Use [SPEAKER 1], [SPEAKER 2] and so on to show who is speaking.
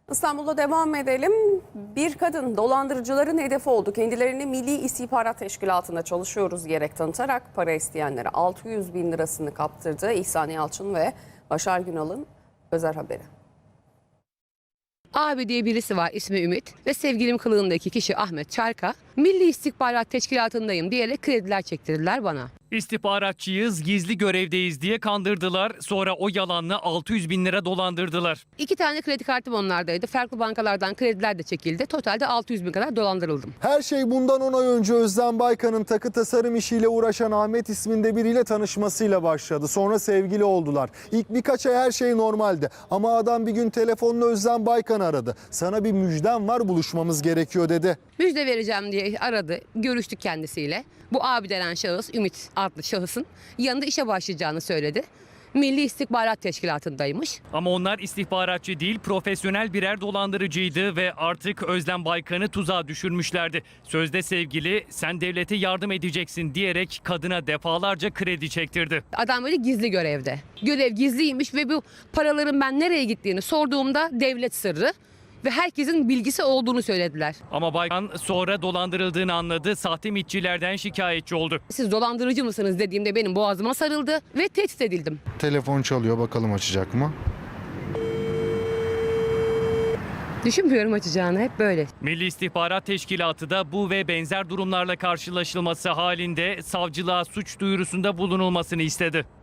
[SPEAKER 1] İstanbul'da devam edelim. Bir kadın dolandırıcıların hedefi oldu. Kendilerini Milli İstihbarat Teşkilatı'nda çalışıyoruz diyerek tanıtarak para isteyenlere 600 bin lirasını kaptırdı. İhsan Yalçın ve Başar Günal'ın özel haberi.
[SPEAKER 2] Abi diye birisi var, ismi Ümit ve sevgilim kılığındaki kişi Ahmet Çarka, Milli İstihbarat Teşkilatı'ndayım diyerek krediler çektirdiler bana.
[SPEAKER 3] İstihbaratçıyız, gizli görevdeyiz diye kandırdılar. Sonra o yalanla 600 bin lira dolandırdılar.
[SPEAKER 2] 2 tane kredi kartım onlardaydı. Farklı bankalardan krediler de çekildi. Totalde 600 bin kadar dolandırıldım.
[SPEAKER 4] Her şey bundan 10 ay önce Özlem Baykan'ın takı tasarım işiyle uğraşan Ahmet isminde biriyle tanışmasıyla başladı. Sonra sevgili oldular. İlk birkaç ay her şey normaldi. Ama adam bir gün telefonla Özlem Baykan aradı. Sana bir müjdem var, buluşmamız gerekiyor dedi.
[SPEAKER 2] Müjde vereceğim diye aradı. Görüştük kendisiyle. Bu abi denen şahıs, Ümit adlı şahısın yanında işe başlayacağını söyledi. Milli İstihbarat Teşkilatı'ndaymış.
[SPEAKER 3] Ama onlar istihbaratçı değil, profesyonel birer dolandırıcıydı ve artık Özlem Baykan'ı tuzağa düşürmüşlerdi. Sözde sevgili, sen devlete yardım edeceksin diyerek kadına defalarca kredi çektirdi.
[SPEAKER 2] Adam böyle gizli görevde. Görev gizliymiş ve bu paraların ben nereye gittiğini sorduğumda devlet sırrı ve herkesin bilgisi olduğunu söylediler.
[SPEAKER 3] Ama Baykan sonra dolandırıldığını anladı, sahte mitçilerden şikayetçi oldu.
[SPEAKER 2] Siz dolandırıcı mısınız dediğimde benim boğazıma sarıldı ve tehdit edildim.
[SPEAKER 5] Telefon çalıyor, bakalım açacak mı?
[SPEAKER 2] Düşünmüyorum açacağını, hep böyle.
[SPEAKER 3] Milli İstihbarat Teşkilatı da bu ve benzer durumlarla karşılaşılması halinde savcılığa suç duyurusunda bulunulmasını istedi.